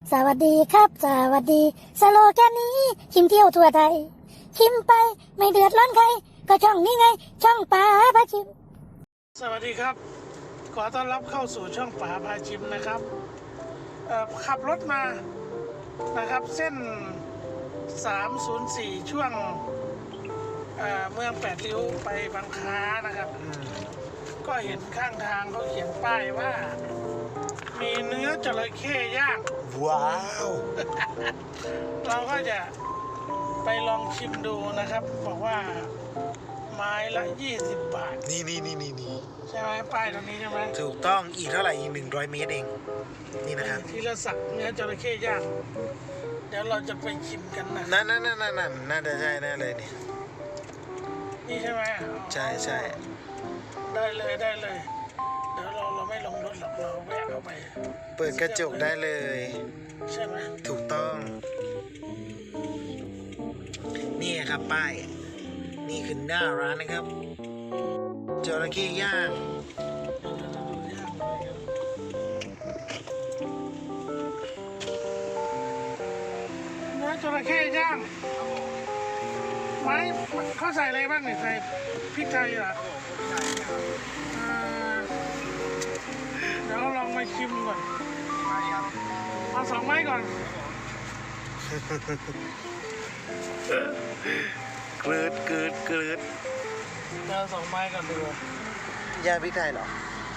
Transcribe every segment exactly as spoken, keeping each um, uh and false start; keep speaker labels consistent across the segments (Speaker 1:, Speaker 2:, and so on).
Speaker 1: สวัสดีครับสวัสดีสโลแกนนี้ชิมเที่ยวทั่วไทยชิมไปไม่เดือดร้อนใครก็ช่องนี้ไงช่องป๋าพาชิม
Speaker 2: สวัสดีครับขอต้อนรับเข้าสู่ช่องป๋าพาชิมนะครับขับรถมานะครับเส้นสามศูนย์สี่ช่วงเเมืองแปดริ้วไปบางค้านะครับก็เห็นข้างทางเขาเขียนป้ายว่ามีเนื้อจระเข้ย่าง
Speaker 3: ว้าว
Speaker 2: เราก็จะไปลองชิมดูนะครับบอกว่าไม้ละยี่สิบบาท
Speaker 3: นี่นี่นี่นี่นี่
Speaker 2: ใช่ไหมป้ายตรงนี้ใช่ไหม
Speaker 3: ถูกต้องอีกเท่าไหร่อีกหนึ่งร้อยเมตรเองนี่นะครับ
Speaker 2: ทีละสักเนื้อจระเข้ย่างเดี๋ยวเราจะไปชิมกันนะ
Speaker 3: นั่นนั่นนั่นนั่นน่าจะใช่แน่เลยนี่
Speaker 2: นี่ใช่ไหม
Speaker 3: ใช่ใช่
Speaker 2: ได้เลยได้เลยเดี๋ยวเราเราไม่ลงรถหรอกเราแวะเข้าไป
Speaker 3: เปิดกระจกได้เลย
Speaker 2: ใช่ไหม
Speaker 3: ถูกต้องนี่ครับป้ายนี่คือหน้าร้านนะครับจระเข้ย่าง
Speaker 2: เนื้อจระเข้ย่างไม้เขาใส่อะไรบ้างเนี่ยใส่พริกไทยเหรอเดี๋ยวเราลองมาชิมก่อนเอาสองไม้ก่อน
Speaker 3: เกลืดเกลืดเกลืด
Speaker 2: เดี๋ยวสองไม้ก่อนดู
Speaker 3: ย่างพริกไทยเหรอ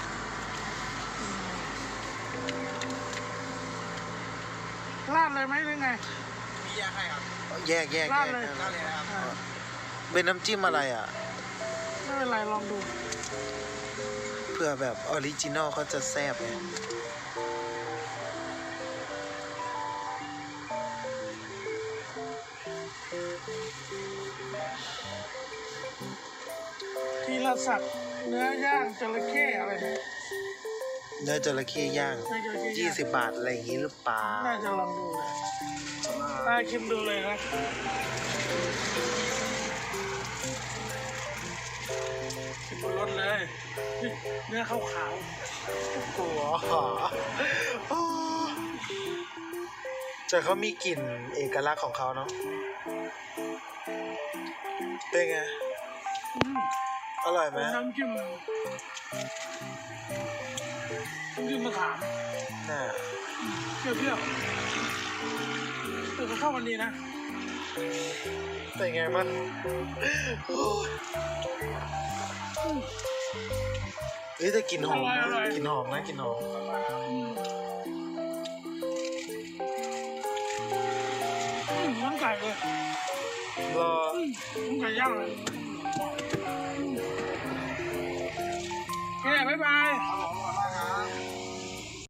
Speaker 2: ราดเลยไหมหรือไง
Speaker 3: มีแยกให้ครับแยกแยก
Speaker 2: ราดเลย
Speaker 3: ราดเลยนะครับเป็นน้ำจิ้มอะไรอ่ะ
Speaker 2: ไม่เป็นไรลองดู
Speaker 3: เพื่อแบบออริจินอลเขาจะแซ่บไง
Speaker 2: ทีละสักเนื้อย่างจระเข้อะไรเนี่ย
Speaker 3: เนื้อจระเข้ย่างยี่สิบบาทอะไรอย่างนี้หรือเปล่า
Speaker 2: น่าจะลองดูเลยน่าชิมดูเลยนะชิมบนรถเลยเนื้อขาวขาว
Speaker 3: โอ้โหแต่เขามีกลิ่นเอกลักษณ์ของเขาเนาะเป็นไงอร่อยไหม
Speaker 2: น้ำจิ้มน้ำจิ้มมะขาม
Speaker 3: น่ะ
Speaker 2: เปรี้ยวๆแต่ก็เข้ากันดีนะ
Speaker 3: เป็นไงมันเฮ้ยแต่กลิ่นหอมนะกลิ่นหอมนะกลิ่นหอม
Speaker 2: น้ำไก่เลย
Speaker 3: รอ
Speaker 2: น้ำไก่ย่างเลยโอเคบ๊ายบาย